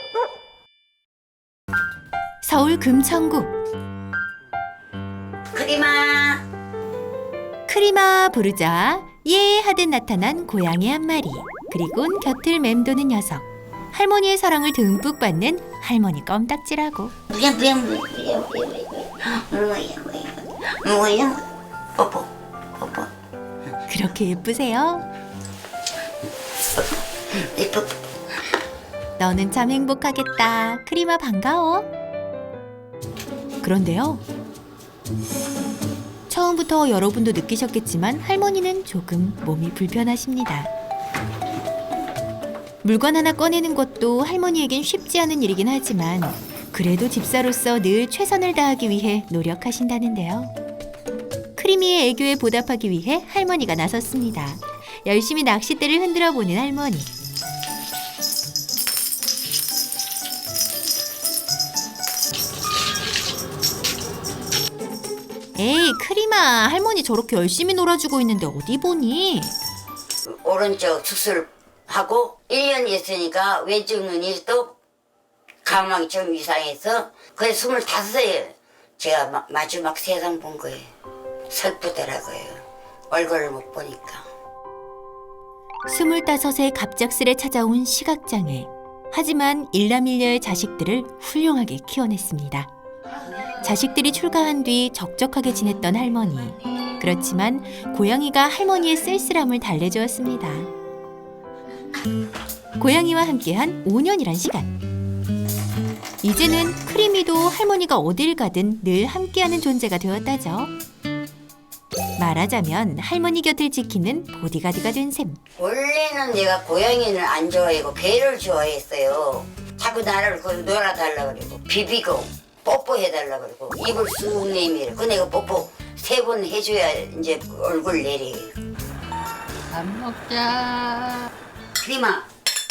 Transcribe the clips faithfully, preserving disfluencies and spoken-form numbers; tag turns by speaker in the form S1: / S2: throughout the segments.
S1: 서울 금천구.
S2: 크리마.
S1: 크리마 부르자 예 하듯 나타난 고양이 한 마리. 그리곤 곁을 맴도는 녀석. 할머니의 사랑을 듬뿍 받는 할머니 껌딱지라고.
S2: 뭐야 뭐야 뭐야 뭐야 뭐야 뭐야 뭐야 뽀뽀 뽀뽀.
S1: 그렇게 예쁘세요?
S2: 뽀뽀.
S1: 너는 참 행복하겠다. 크리마 반가워. 그런데요. 처음부터 여러분도 느끼셨겠지만 할머니는 조금 몸이 불편하십니다. 물건 하나 꺼내는 것도 할머니에겐 쉽지 않은 일이긴 하지만 그래도 집사로서 늘 최선을 다하기 위해 노력하신다는데요. 크리미의 애교에 보답하기 위해 할머니가 나섰습니다. 열심히 낚싯대를 흔들어 보는 할머니. 에이 크리마, 할머니 저렇게 열심히 놀아주고 있는데 어디 보니?
S2: 오른쪽 수술하고 일 년 있으니까 왼쪽 눈이 또 가망이 좀 이상해서 그게 스물다섯에 제가 마, 마지막 세상 본 거예요. 슬프더라고요. 얼굴을 못 보니까.
S1: 스물다섯에 갑작스레 찾아온 시각장애. 하지만 일남일녀의 자식들을 훌륭하게 키워냈습니다. 자식들이 출가한 뒤 적적하게 지냈던 할머니. 그렇지만 고양이가 할머니의 쓸쓸함을 달래주었습니다. 고양이와 함께한 오 년이란 시간. 이제는 크리미도 할머니가 어딜 가든 늘 함께하는 존재가 되었다죠. 말하자면 할머니 곁을 지키는 보디가드가 된 셈.
S2: 원래는 내가 고양이를 안 좋아하고 개를 좋아했어요. 자꾸 나를 그 놀아달라 그러고 비비고 뽀뽀해달라 그러고 입을 쑥 내밀어. 그 내가 뽀뽀 세 번 해줘야 이제 얼굴 내려요.
S3: 밥 먹자.
S2: 크리마.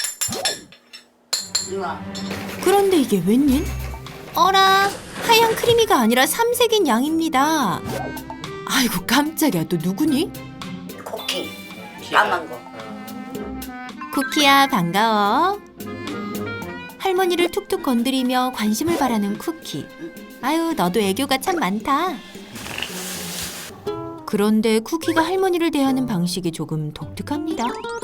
S2: 크리마.
S1: 그런데 이게 웬일? 어라, 하얀 크리미가 아니라 삼색인 양입니다. 아이고 깜짝이야, 또 누구니?
S2: 코킹. 까만 거.
S1: 쿠키야 반가워. 할머니를 툭툭 건드리며 관심을 바라는 쿠키. 아유 너도 애교가 참 많다. 그런데 쿠키가 할머니를 대하는 방식이 조금 독특합니다.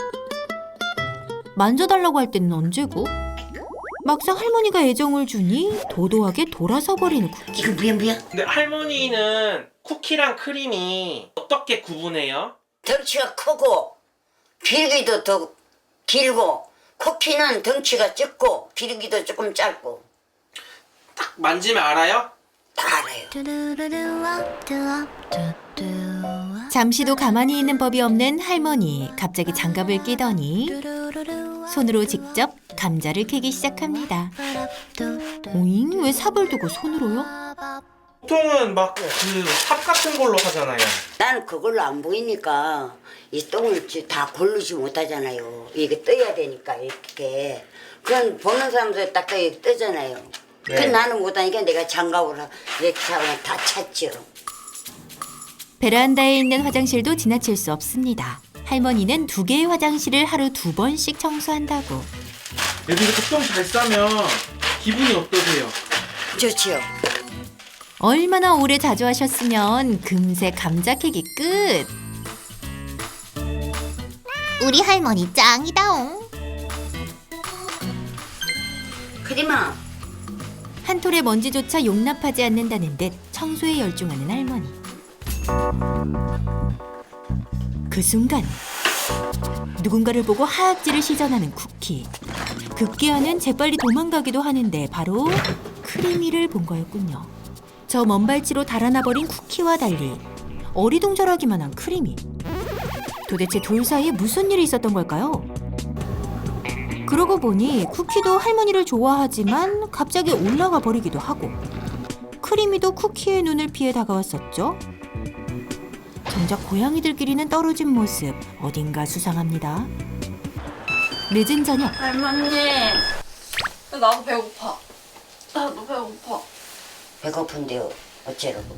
S1: 만져달라고 할 때는 언제고 막상 할머니가 애정을 주니 도도하게 돌아서 버리는 쿠키.
S2: 이거 뭐야 뭐야?
S4: 근데 할머니는 쿠키랑 크림이 어떻게 구분해요?
S2: 덩치가 크고 길기도 더 길고 쿠키는 덩치가 적고 길기도 조금 짧고
S4: 딱 만지면 알아요?
S2: 다 알아요.
S1: 잠시도 가만히 있는 법이 없는 할머니. 갑자기 장갑을 끼더니 손으로 직접 감자를 캐기 시작합니다. 오잉? 왜 삽을 두고 손으로요?
S4: 보통은 막 그 삽 같은 걸로 하잖아요.
S2: 난 그걸로 안 보이니까 이 똥을 다 고르지 못하잖아요. 이게 떠야 되니까 이렇게. 그건 보는 사람들 딱 떠- 뜨잖아요.
S4: 네.
S2: 그 나는 못하니까 내가 장갑으로 이렇게 잡으면 다 찼죠.
S1: 베란다에 있는 화장실도 지나칠 수 없습니다. 할머니는 두 개의 화장실을 하루 두 번씩 청소한다고.
S4: 여기 이렇게 똥 잘 싸면 기분이 어떠세요?
S2: 좋지요.
S1: 얼마나 오래 자주 하셨으면 금세 감자 캐기 끝. 우리 할머니 짱이다옹.
S2: 크리마.
S1: 한 톨의 먼지조차 용납하지 않는다는 듯 청소에 열중하는 할머니. 그 순간 누군가를 보고 하악질을 시전하는 쿠키. 급기야는 재빨리 도망가기도 하는데 바로 크리미를 본 거였군요. 저 먼 발치로 달아나버린 쿠키와 달리 어리둥절하기만 한 크리미. 도대체 둘 사이에 무슨 일이 있었던 걸까요? 그러고 보니 쿠키도 할머니를 좋아하지만 갑자기 올라가 버리기도 하고 크리미도 쿠키의 눈을 피해 다가왔었죠. 정작 고양이들끼리는 떨어진 모습 어딘가 수상합니다. 늦은 저녁
S3: 할머니. 나도 배고파. 나도 배고파.
S2: 배고픈데요. 어째라고.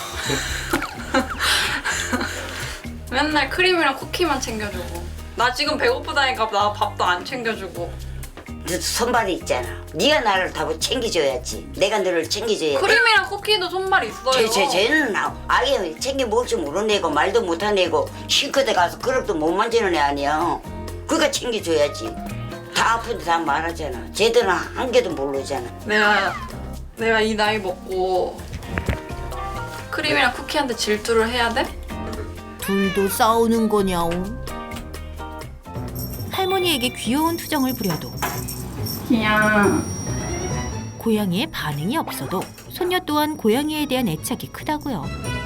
S3: 맨날 크림이랑 쿠키만 챙겨주고. 나 지금 배고프다니까 나 밥도 안 챙겨주고.
S2: 너 손발이 있잖아. 네가 나를 다 챙겨줘야지. 내가 너를 챙겨줘야 돼.
S3: 크림이랑 쿠키도 손발 있어요.
S2: 쟤, 쟤, 쟤는 아- 아예 챙겨 먹을 줄 모르는 애고 말도 못하는 애고 싱크대 가서 그릇도 못 만지는 애 아니야. 그러니까 챙겨줘야지. 다 아픈데 다 말하잖아. 쟤들은 한 개도 모르잖아.
S3: 내가 내가 이 나이 먹고 크림이랑 쿠키한테 질투를 해야 돼?
S1: 둘도 싸우는 거냐옹. 할머니에게 귀여운 투정을 부려도
S3: 그냥
S1: 고양이의 반응이 없어도 손녀 또한 고양이에 대한 애착이 크다고요.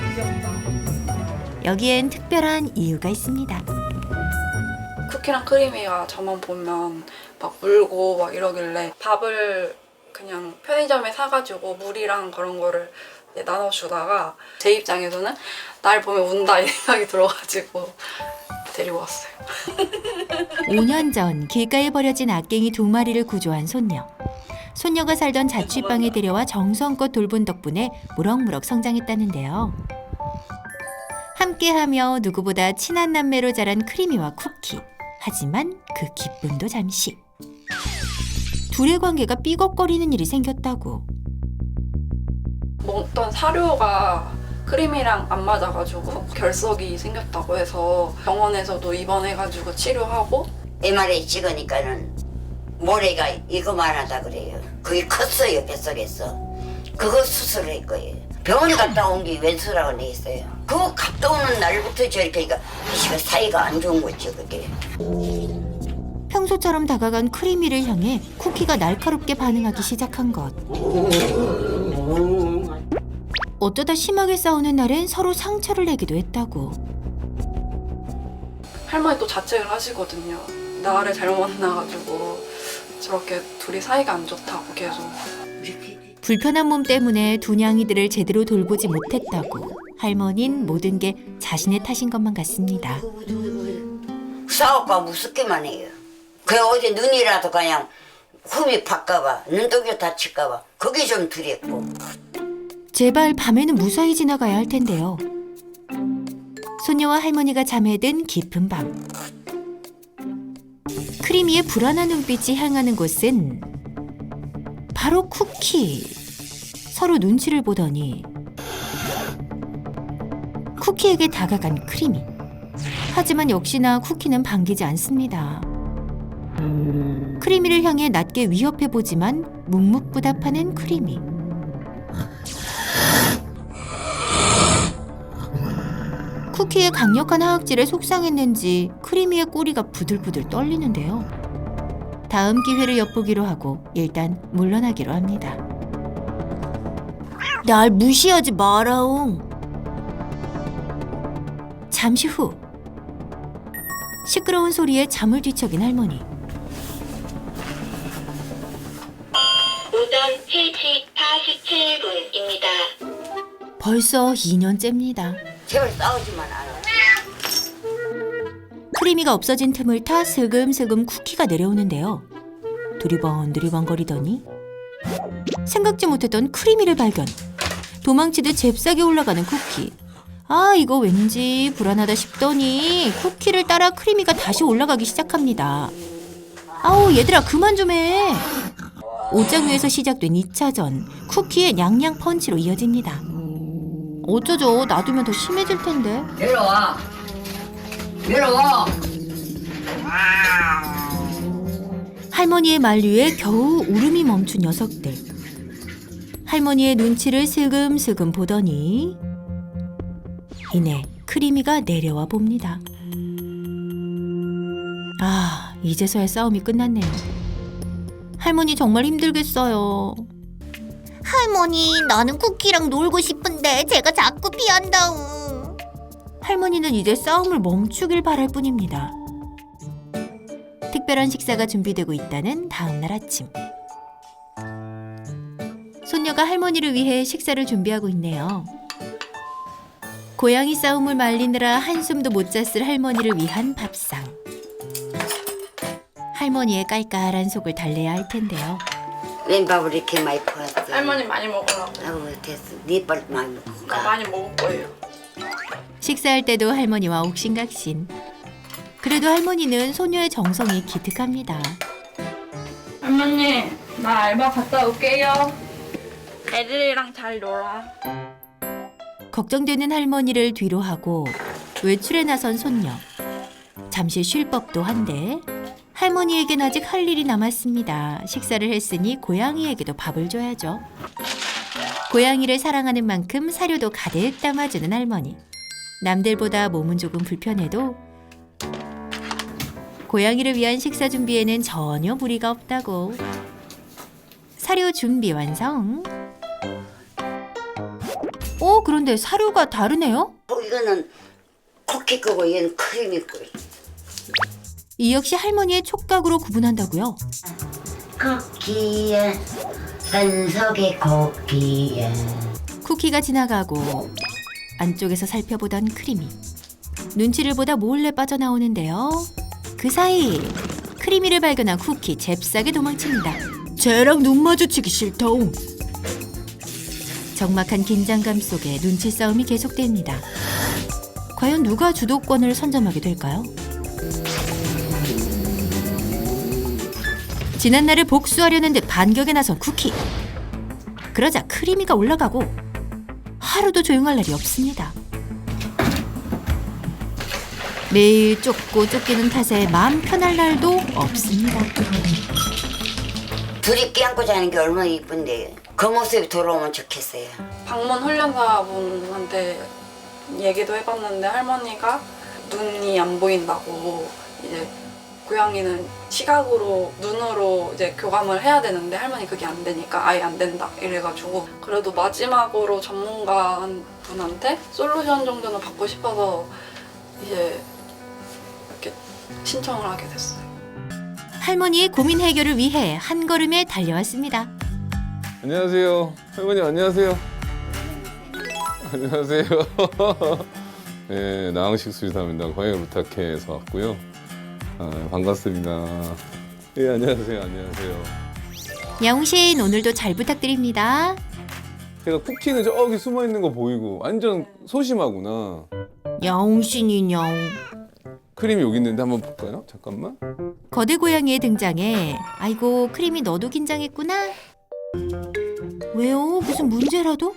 S1: 여기엔 특별한 이유가 있습니다.
S3: 쿠키랑 크림이가 저만 보면 막 울고 막 이러길래 밥을 그냥 편의점에 사가지고 물이랑 그런 거를 이제 나눠주다가 제 입장에서는 날 보면 운다 이 생각이 들어가지고 데리고 왔어요.
S1: 오 년 전 길가에 버려진 악갱이 두 마리를 구조한 손녀. 손녀가 살던 자취방에 데려와 정성껏 돌본 덕분에 무럭무럭 성장했다는데요. 함께하며 누구보다 친한 남매로 자란 크리미와 쿠키. 하지만 그 기쁨도 잠시. 둘의 관계가 삐걱거리는 일이 생겼다고.
S3: 먹던 사료가 크림이랑 안 맞아가지고 결석이 생겼다고 해서 병원에서도 입원해가지고 치료하고
S2: 엠알에이 찍으니까는 모래가 이거만 하다 그래요. 그게 컸어요, 뱃속에서. 그거 수술할 거예요. 병원 갔다 온 게 왼수라고 돼 있어요. 그거 갔다 오는 날부터 저렇게 그러니까 이 사이가 안 좋은 거죠, 그게.
S1: 평소처럼 다가간 크리미를 향해 쿠키가 날카롭게 반응하기 시작한 것. 어쩌다 심하게 싸우는 날엔 서로 상처를 내기도 했다고.
S3: 할머니 또 자책을 하시거든요. 나를 잘못 만나가지고 저렇게 둘이 사이가 안 좋다고 계속.
S1: 불편한 몸 때문에 두 냥이들을 제대로 돌보지 못했다고. 할머니는 모든 게 자신의 탓인 것만 같습니다.
S2: 싸울까 무섭기만 해요. 그 어디 눈이라도 그냥 흠이 박까봐 눈독이 다칠까봐 그게 좀 두렵고.
S1: 제발 밤에는 무사히 지나가야 할 텐데요. 손녀와 할머니가 잠에 든 깊은 밤. 크리미의 불안한 눈빛이 향하는 곳은 바로 쿠키. 서로 눈치를 보더니 쿠키에게 다가간 크리미. 하지만 역시나 쿠키는 반기지 않습니다. 크리미를 향해 낮게 위협해보지만 묵묵부답하는 크리미. 쿠키의 강력한 하악질에 속상했는지 크리미의 꼬리가 부들부들 떨리는데요. 다음 기회를 엿보기로 하고 일단 물러나기로 합니다. 날 무시하지 마라옹. 잠시 후 시끄러운 소리에 잠을 뒤척인 할머니.
S5: 오전 세 시 사십칠 분입니다.
S1: 벌써 이 년째입니다.
S2: 제발 싸우지만 않아.
S1: 크리미가 없어진 틈을 타 슬금슬금 쿠키가 내려오는데요. 두리번 두리번 거리더니 생각지 못했던 크리미를 발견. 도망치듯 잽싸게 올라가는 쿠키. 아, 이거 왠지 불안하다 싶더니 쿠키를 따라 크리미가 다시 올라가기 시작합니다. 아우, 얘들아 그만 좀 해. 옷장 위에서 시작된 이 차전. 쿠키의 냥냥 펀치로 이어집니다. 어쩌죠? 놔두면 더 심해질 텐데.
S2: 내려와. 내려와.
S1: 할머니의 만류에 겨우 울음이 멈춘 녀석들. 할머니의 눈치를 슬금슬금 보더니 이내 크리미가 내려와 봅니다. 아, 이제서야 싸움이 끝났네요. 할머니 정말 힘들겠어요.
S6: 할머니, 나는 쿠키랑 놀고 싶은데 제가 자꾸 피한다우.
S1: 할머니는 이제 싸움을 멈추길 바랄 뿐입니다. 특별한 식사가 준비되고 있다는 다음 날 아침. 손녀가 할머니를 위해 식사를 준비하고 있네요. 고양이 싸움을 말리느라 한숨도 못 잤을 할머니를 위한 밥상. 할머니의 깔깔한 속을 달래야 할 텐데요.
S2: 웬 밥을 이렇게 많이 퍼왔어.
S3: 할머니 많이 먹으라고.
S2: 아우 됐어. 네 빨리 많이 먹고
S3: 나
S2: 가.
S3: 많이 먹을 거예요.
S1: 식사할 때도 할머니와 옥신각신. 그래도 할머니는 소녀의 정성이 기특합니다.
S3: 할머니, 나 알바 갔다 올게요. 애들이랑 잘 놀아.
S1: 걱정되는 할머니를 뒤로 하고 외출에 나선 손녀. 잠시 쉴 법도 한데 할머니에겐 아직 할 일이 남았습니다. 식사를 했으니 고양이에게도 밥을 줘야죠. 고양이를 사랑하는 만큼 사료도 가득 담아주는 할머니. 남들보다 몸은 조금 불편해도 고양이를 위한 식사 준비에는 전혀 무리가 없다고. 사료 준비 완성. 오, 그런데 사료가 다르네요?
S2: 어, 이거는 쿠키 거고 얘는 크림이 거.
S1: 이 역시 할머니의 촉각으로 구분한다고요?
S2: 쿠키야 산속의 쿠키야.
S1: 쿠키가 지나가고 안쪽에서 살펴보던 크리미. 눈치를 보다 몰래 빠져나오는데요. 그 사이 크리미를 발견한 쿠키 잽싸게 도망칩니다. 쟤랑 눈 마주치기 싫다옹. 적막한 긴장감 속에 눈치 싸움이 계속됩니다. 과연 누가 주도권을 선점하게 될까요? 지난날을 복수하려는 듯 반격에 나선 쿠키. 그러자 크리미가 올라가고 하루도 조용할 날이 없습니다. 매일 쫓고 쫓기는 탓에 마음 편할 날도 없습니다.
S2: 둘이 껴안고 자는 게 얼마나 이쁜데 그 모습이 돌아오면 좋겠어요.
S3: 방문 훈련사분한테 얘기도 해봤는데 할머니가 눈이 안 보인다고 이제 고양이는 시각으로 눈으로 이제 교감을 해야 되는데 할머니 그게 안 되니까 아예 안 된다 이래가지고 그래도 마지막으로 전문가 분한테 솔루션 정도는 받고 싶어서 이제 이렇게 신청을 하게 됐어요.
S1: 할머니의 고민 해결을 위해 한 걸음에 달려왔습니다.
S7: 안녕하세요. 할머니 안녕하세요. 안녕하세요. 네, 나항식 수의사입니다. 고양이 부탁해서 왔고요. 아, 반갑습니다. 네, 안녕하세요. 안녕하세요.
S1: 야옹신 오늘도 잘 부탁드립니다.
S7: 제가 쿠키는 저기 숨어 있는 거 보이고 완전 소심하구나.
S1: 야옹신이 냐옹.
S7: 크림이 여기 있는데 한번 볼까요? 잠깐만.
S1: 거대 고양이의 등장에 아이고 크림이 너도 긴장했구나. 왜요? 무슨 문제라도?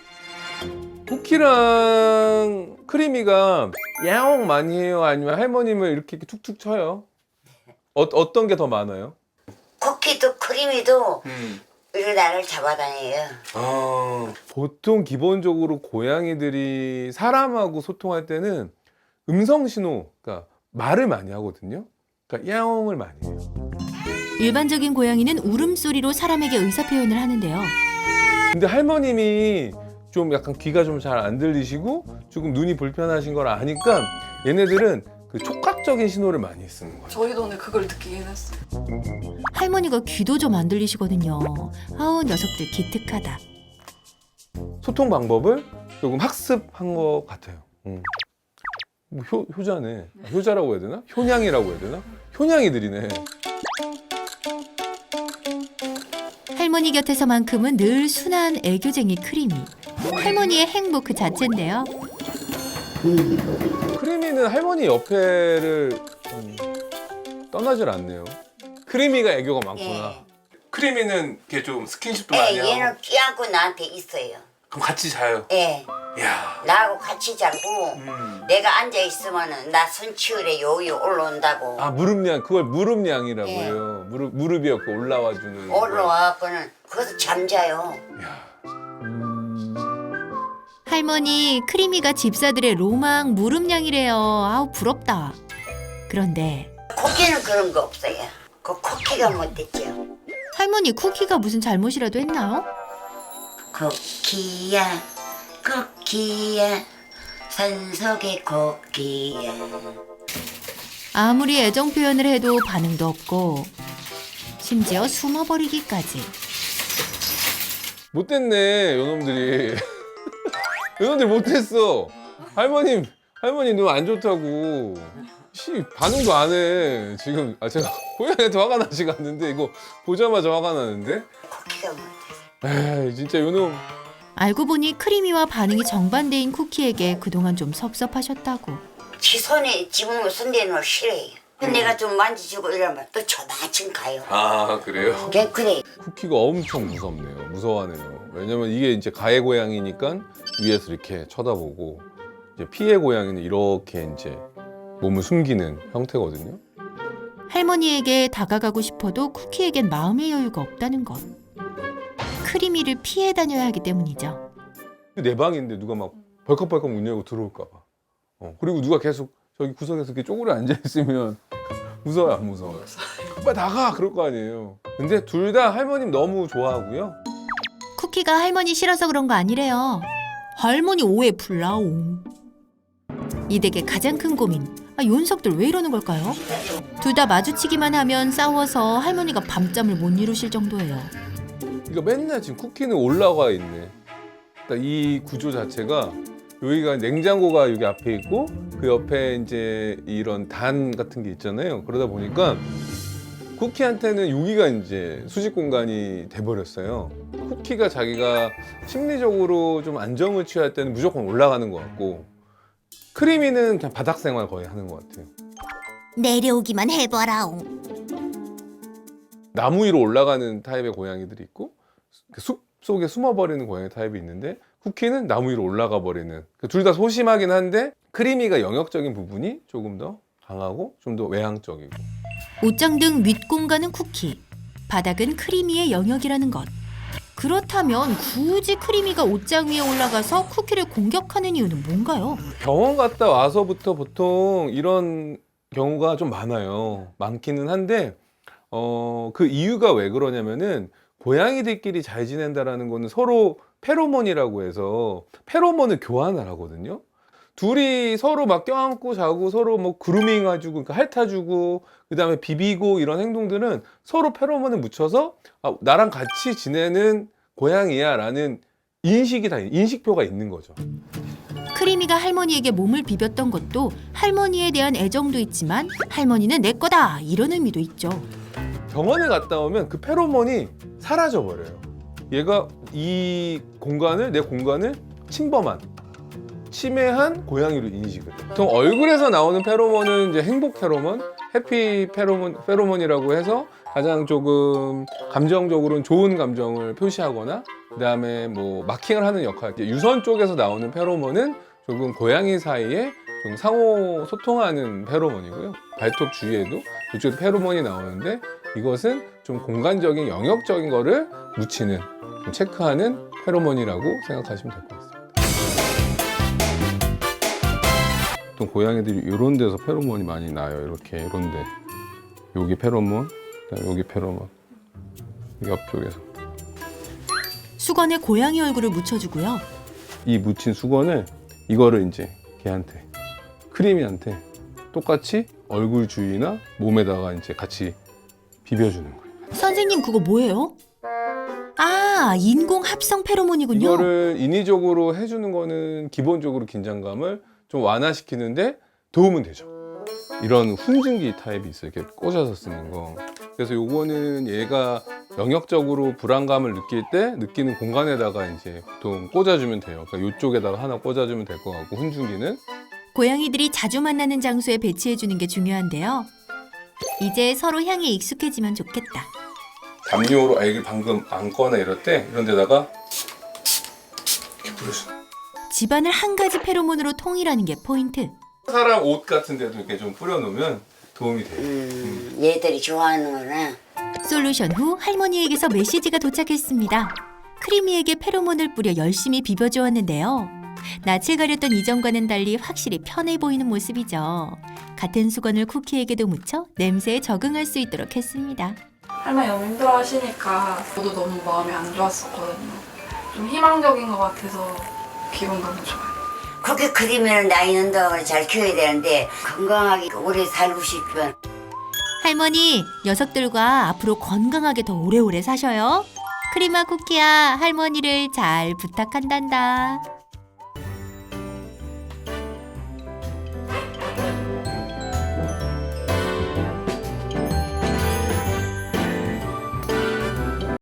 S7: 쿠키랑 크림이가 야옹 많이 해요? 아니면 할머님을 이렇게 툭툭 쳐요? 어, 어떤 게 더 많아요?
S2: 쿠키도 크림이도
S7: 음.
S2: 이렇게 나를 잡아다녀요.
S7: 아, 보통 기본적으로 고양이들이 사람하고 소통할 때는 음성 신호, 그러니까 말을 많이 하거든요. 그러니까 야옹을 많이 해요.
S1: 일반적인 고양이는 울음소리로 사람에게 의사표현을 하는데요.
S7: 근데 할머님이 좀 약간 귀가 좀 잘 안 들리시고 조금 눈이 불편하신 걸 아니까 얘네들은 그 촉각적인 신호를 많이 쓰는 거예요.
S3: 저희도 오늘 그걸 느끼긴 했어요.
S1: 할머니가 귀도 좀 안 들리시거든요. 아우 녀석들 기특하다.
S7: 소통 방법을 조금 학습한 것 같아요. 음. 뭐 효, 효자네. 아, 효자라고 해야 되나? 효냥이라고 해야 되나? 효냥이들이네.
S1: 할머니 곁에서만큼은 늘 순한 애교쟁이 크리미. 할머니의 행복 그 자체인데요.
S7: 크리미는 할머니 옆에를 음, 떠나질 않네요. 크리미가 애교가 많구나.
S2: 예.
S7: 크리미는 이렇게 좀 스킨십도
S2: 예,
S7: 많이 하고.
S2: 얘는 끼안고 나한테 있어요.
S7: 그럼 같이 자요.
S2: 예,
S7: 이야.
S2: 나하고 같이 자고
S7: 음.
S2: 내가 앉아 있으면은 나 손치울에 요요 올라온다고.
S7: 아 무릎냥 그걸 무릎냥이라고
S2: 예.
S7: 해요. 무릎 무릎이 이렇게 올라와 주는.
S2: 올라와갖고는 거기서 잠자요.
S7: 이야.
S1: 할머니 크리미가 집사들의 로망 무릎냥이래요. 아우 부럽다. 그런데
S2: 쿠키는 그런 거 없어요. 그 쿠키가 못됐죠.
S1: 할머니 쿠키가 무슨 잘못이라도 했나요?
S2: 쿠키야, 쿠키야, 산속의 쿠키야.
S1: 아무리 애정 표현을 해도 반응도 없고 심지어 숨어버리기까지.
S7: 못됐네 요놈들이. 요놈들 못했어. 할머님 할머니 눈 안 좋다고. 씨 반응도 안 해. 지금 아 제가 고양이한테 화가 나지가 않는데 이거 보자마자 화가 나는데.
S2: 쿠키가 못됐어.
S7: 에이 진짜 요놈.
S1: 알고 보니 크리미와 반응이 정반대인 쿠키에게 그동안 좀 섭섭하셨다고.
S2: 지 손에 지문을 손대는 걸 싫어해요. 내가 좀 만지시고 이러면 또 저만큼 가요.
S7: 아 그래요?
S2: 그냥 그래.
S7: 쿠키가 엄청 무섭네요. 무서워하네요. 왜냐면 이게 이제 가해 고양이니까 위에서 이렇게 쳐다보고 이제 피해 고양이는 이렇게 이제 몸을 숨기는 형태거든요.
S1: 할머니에게 다가가고 싶어도 쿠키에겐 마음의 여유가 없다는 것. 크리미를 피해 다녀야 하기 때문이죠.
S7: 내 방인데 누가 막 벌컥벌컥 문 열고 들어올까 봐. 어, 그리고 누가 계속 저기 구석에서 이렇게 쪼그려 앉아 있으면 무서워요, 안 무서워요? 빨리 나가 그럴 거 아니에요. 근데 둘 다 할머님 너무 좋아하고요.
S1: 쿠키가 할머니 싫어서 그런 거 아니래요. 할머니 오해 풀라옹. 이 댁의 가장 큰 고민. 아, 요 녀석들 왜 이러는 걸까요? 둘 다 마주치기만 하면 싸워서 할머니가 밤잠을 못 이루실 정도예요.
S7: 그러니까 맨날 지금 쿠키는 올라가 있네. 그러니까 이 구조 자체가 여기가 냉장고가 여기 앞에 있고 그 옆에 이제 이런 단 같은 게 있잖아요. 그러다 보니까 쿠키한테는 여기가 이제 수직 공간이 돼버렸어요. 쿠키가 자기가 심리적으로 좀 안정을 취할 때는 무조건 올라가는 것 같고 크리미는 그냥 바닥 생활 거의 하는 것 같아요.
S6: 내려오기만 해봐라옹.
S7: 나무 위로 올라가는 타입의 고양이들이 있고 숲 속에 숨어버리는 고양이 타입이 있는데 쿠키는 나무 위로 올라가 버리는 둘 다 소심하긴 한데 크리미가 영역적인 부분이 조금 더 강하고 좀 더 외향적이고
S1: 옷장 등 윗공간은 쿠키, 바닥은 크리미의 영역이라는 것. 그렇다면 굳이 크리미가 옷장 위에 올라가서 쿠키를 공격하는 이유는 뭔가요?
S7: 병원 갔다 와서부터 보통 이런 경우가 좀 많아요. 많기는 한데 어, 그 이유가 왜 그러냐면은 고양이들끼리 잘 지낸다라는 거는 서로 페로몬이라고 해서 페로몬을 교환을 하거든요. 둘이 서로 막 껴안고 자고 서로 뭐 그루밍 해주고 그러니까 핥아주고 그 다음에 비비고 이런 행동들은 서로 페로몬을 묻혀서 아, 나랑 같이 지내는 고양이야 라는 인식이 다 인식표가 있는 거죠.
S1: 크리미가 할머니에게 몸을 비볐던 것도 할머니에 대한 애정도 있지만 할머니는 내 거다 이런 의미도 있죠.
S7: 병원에 갔다 오면 그 페로몬이 사라져 버려요. 얘가 이 공간을 내 공간을 침범한 침해한 고양이로 인식을 해요. 보통 얼굴에서 나오는 페로몬은 이제 행복 페로몬, 해피 페로몬, 페로몬이라고 해서 가장 조금 감정적으로는 좋은 감정을 표시하거나 그다음에 뭐 마킹을 하는 역할. 유선 쪽에서 나오는 페로몬은 조금 고양이 사이에 좀 상호 소통하는 페로몬이고요. 발톱 주위에도 이쪽에 페로몬이 나오는데 이것은 좀 공간적인 영역적인 거를 묻히는 좀 체크하는 페로몬이라고 생각하시면 될 것 같습니다. 보통 고양이들이 이런 데서 페로몬이 많이 나요. 이렇게 이런 데. 여기 페로몬, 그다음에 여기 페로몬. 옆쪽에서.
S1: 수건에 고양이 얼굴을 묻혀주고요.
S7: 이 묻힌 수건을 이거를 이제 걔한테 크리미한테 똑같이 얼굴 주위나 몸에다가 이제 같이 비벼주는 거예요.
S1: 선생님 그거 뭐예요? 아, 인공 합성 페로몬이군요.
S7: 이거를 인위적으로 해주는 거는 기본적으로 긴장감을 좀 완화시키는데 도움은 되죠. 이런 훈증기 타입이 있어요. 이렇게 꽂아서 쓰는 거. 그래서 요거는 얘가 영역적으로 불안감을 느낄 때 느끼는 공간에다가 이제 보통 꽂아주면 돼요. 그러니까 이쪽에다가 하나 꽂아주면 될 것 같고 훈증기는
S1: 고양이들이 자주 만나는 장소에 배치해주는 게 중요한데요. 이제 서로 향에 익숙해지면 좋겠다.
S7: 담요로 애기 방금 안거나 이럴 때 이런 데다가 이렇게 뿌려줘.
S1: 집안을 한 가지 페로몬으로 통일하는 게 포인트.
S7: 사람 옷 같은 데도 이렇게 좀 뿌려놓으면 도움이 돼요.
S2: 음, 얘들이 좋아하는구나.
S1: 솔루션 후 할머니에게서 메시지가 도착했습니다. 크리미에게 페로몬을 뿌려 열심히 비벼주었는데요. 낯을 가렸던 이전과는 달리 확실히 편해 보이는 모습이죠. 같은 수건을 쿠키에게도 묻혀 냄새에 적응할 수 있도록 했습니다.
S3: 할머니 너무 힘들어 하시니까 저도 너무 마음이 안 좋았었거든요. 좀 희망적인 것 같아서 기분 너무 좋아요.
S2: 그렇게 크리미를 나이는 동안 잘 키워야 되는데 건강하게 오래 살고 싶으면
S1: 할머니, 녀석들과 앞으로 건강하게 더 오래오래 사셔요. 크리마 쿠키야, 할머니를 잘 부탁한단다.